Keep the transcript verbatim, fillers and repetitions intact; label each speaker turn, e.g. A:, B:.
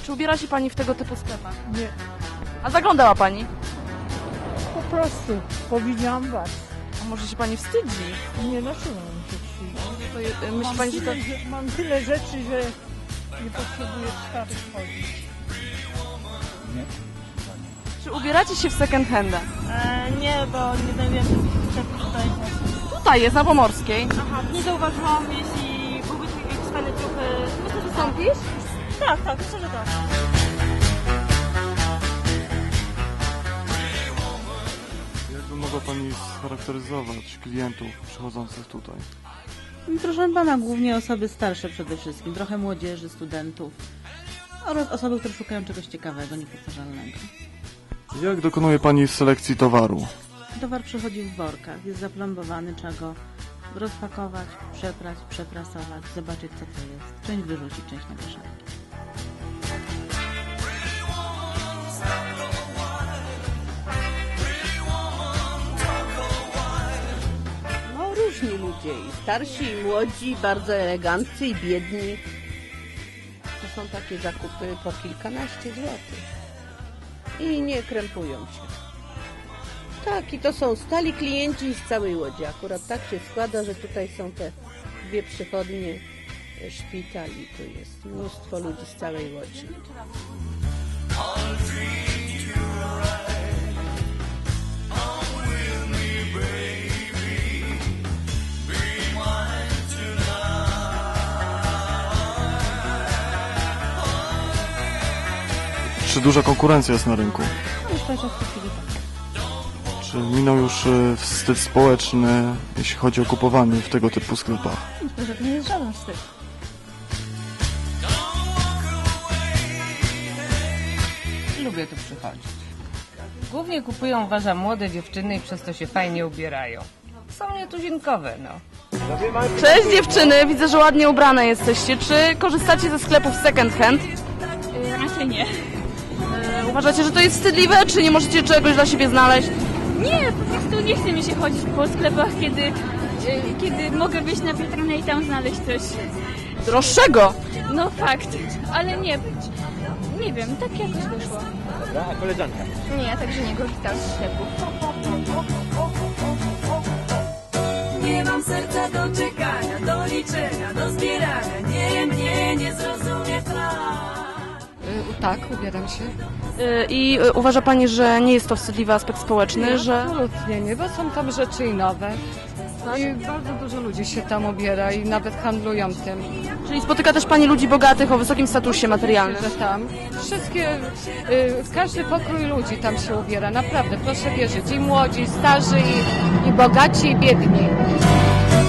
A: Czy ubiera się pani w tego typu sklepach?
B: Nie,
A: A zaglądała pani?
B: po prostu powiedziałam was.
A: A może się pani wstydzi?
B: Nie, dlaczego mam się wstydzić?
A: To je, myśli
B: Mam
A: pani, że to...
B: tyle, że, mam tyle rzeczy, że nie potrzebuję w starych chodzić.
A: Czy ubieracie się w second handa?
C: E, nie, bo nie znajdujemy sklepów tutaj.
A: Tutaj jest, na Pomorskiej.
C: Aha, nie zauważyłam, jeśli byłby tu jakiś fajny trochę...
A: Wystąpisz?
C: Tak, tak, myślę, że tak.
D: Jakby mogła Pani scharakteryzować klientów przychodzących tutaj?
E: Proszę pana, głównie osoby starsze przede wszystkim, trochę młodzieży, studentów oraz osoby, które szukają czegoś ciekawego, niepowtarzalnego.
D: Jak dokonuje Pani selekcji towaru?
E: Towar przychodzi w workach, jest zaplombowany, trzeba go rozpakować, przeprać, przeprasować, zobaczyć co to jest. Część wyrzucić, część na kieszeni.
F: No różni ludzie, i starsi, i młodzi, bardzo eleganccy, i biedni. To są takie zakupy po kilkanaście złotych. I nie krępują się. Tak, i to są stali klienci z całej Łodzi. Akurat tak się składa, że tutaj są te dwie przychodnie, e, szpital i tu jest mnóstwo ludzi z całej Łodzi.
D: Czy duża konkurencja jest na rynku?
E: Myślę, że w tej chwili tak.
D: Czy minął już e, wstyd społeczny, jeśli chodzi o kupowanie w tego typu sklepach?
E: Myślę, że to nie jest żaden wstyd.
G: Lubię tu przychodzić. Głównie kupują uważam młode dziewczyny i przez to się fajnie ubierają. Są nietuzinkowe, no.
A: Cześć dziewczyny, widzę, że ładnie ubrane jesteście. Czy korzystacie ze sklepów second hand?
C: Raczej nie.
A: E, Uważacie, że to jest wstydliwe, czy nie możecie czegoś dla siebie znaleźć?
C: Nie, po prostu nie chce mi się chodzić po sklepach, kiedy, e, kiedy mogę wyjść na witrynę i tam znaleźć coś.
A: Droższego!
C: No fakt, ale nie, nie wiem, tak jakoś wyszło.
H: Dobra, a koleżanka?
C: Nie, ja także nie korzystam z sklepów.
I: Nie mam serca do czekania, do liczenia, do zbierania. Nie, nie, nie zrozumie tak.
J: Tak, ubieram się.
A: E, I e, uważa pani, że nie jest to wstydliwy aspekt społeczny, że...
J: Absolutnie nie, bo są tam rzeczy i nowe. I bardzo dużo ludzi się tam ubiera i nawet handlują tym.
A: Czyli spotyka też pani ludzi bogatych o wysokim statusie materialnym?
J: Że tam wszystkie, y, każdy pokrój ludzi tam się ubiera, naprawdę, proszę wierzyć. I młodzi, i starzy, i, i bogaci, i biedni.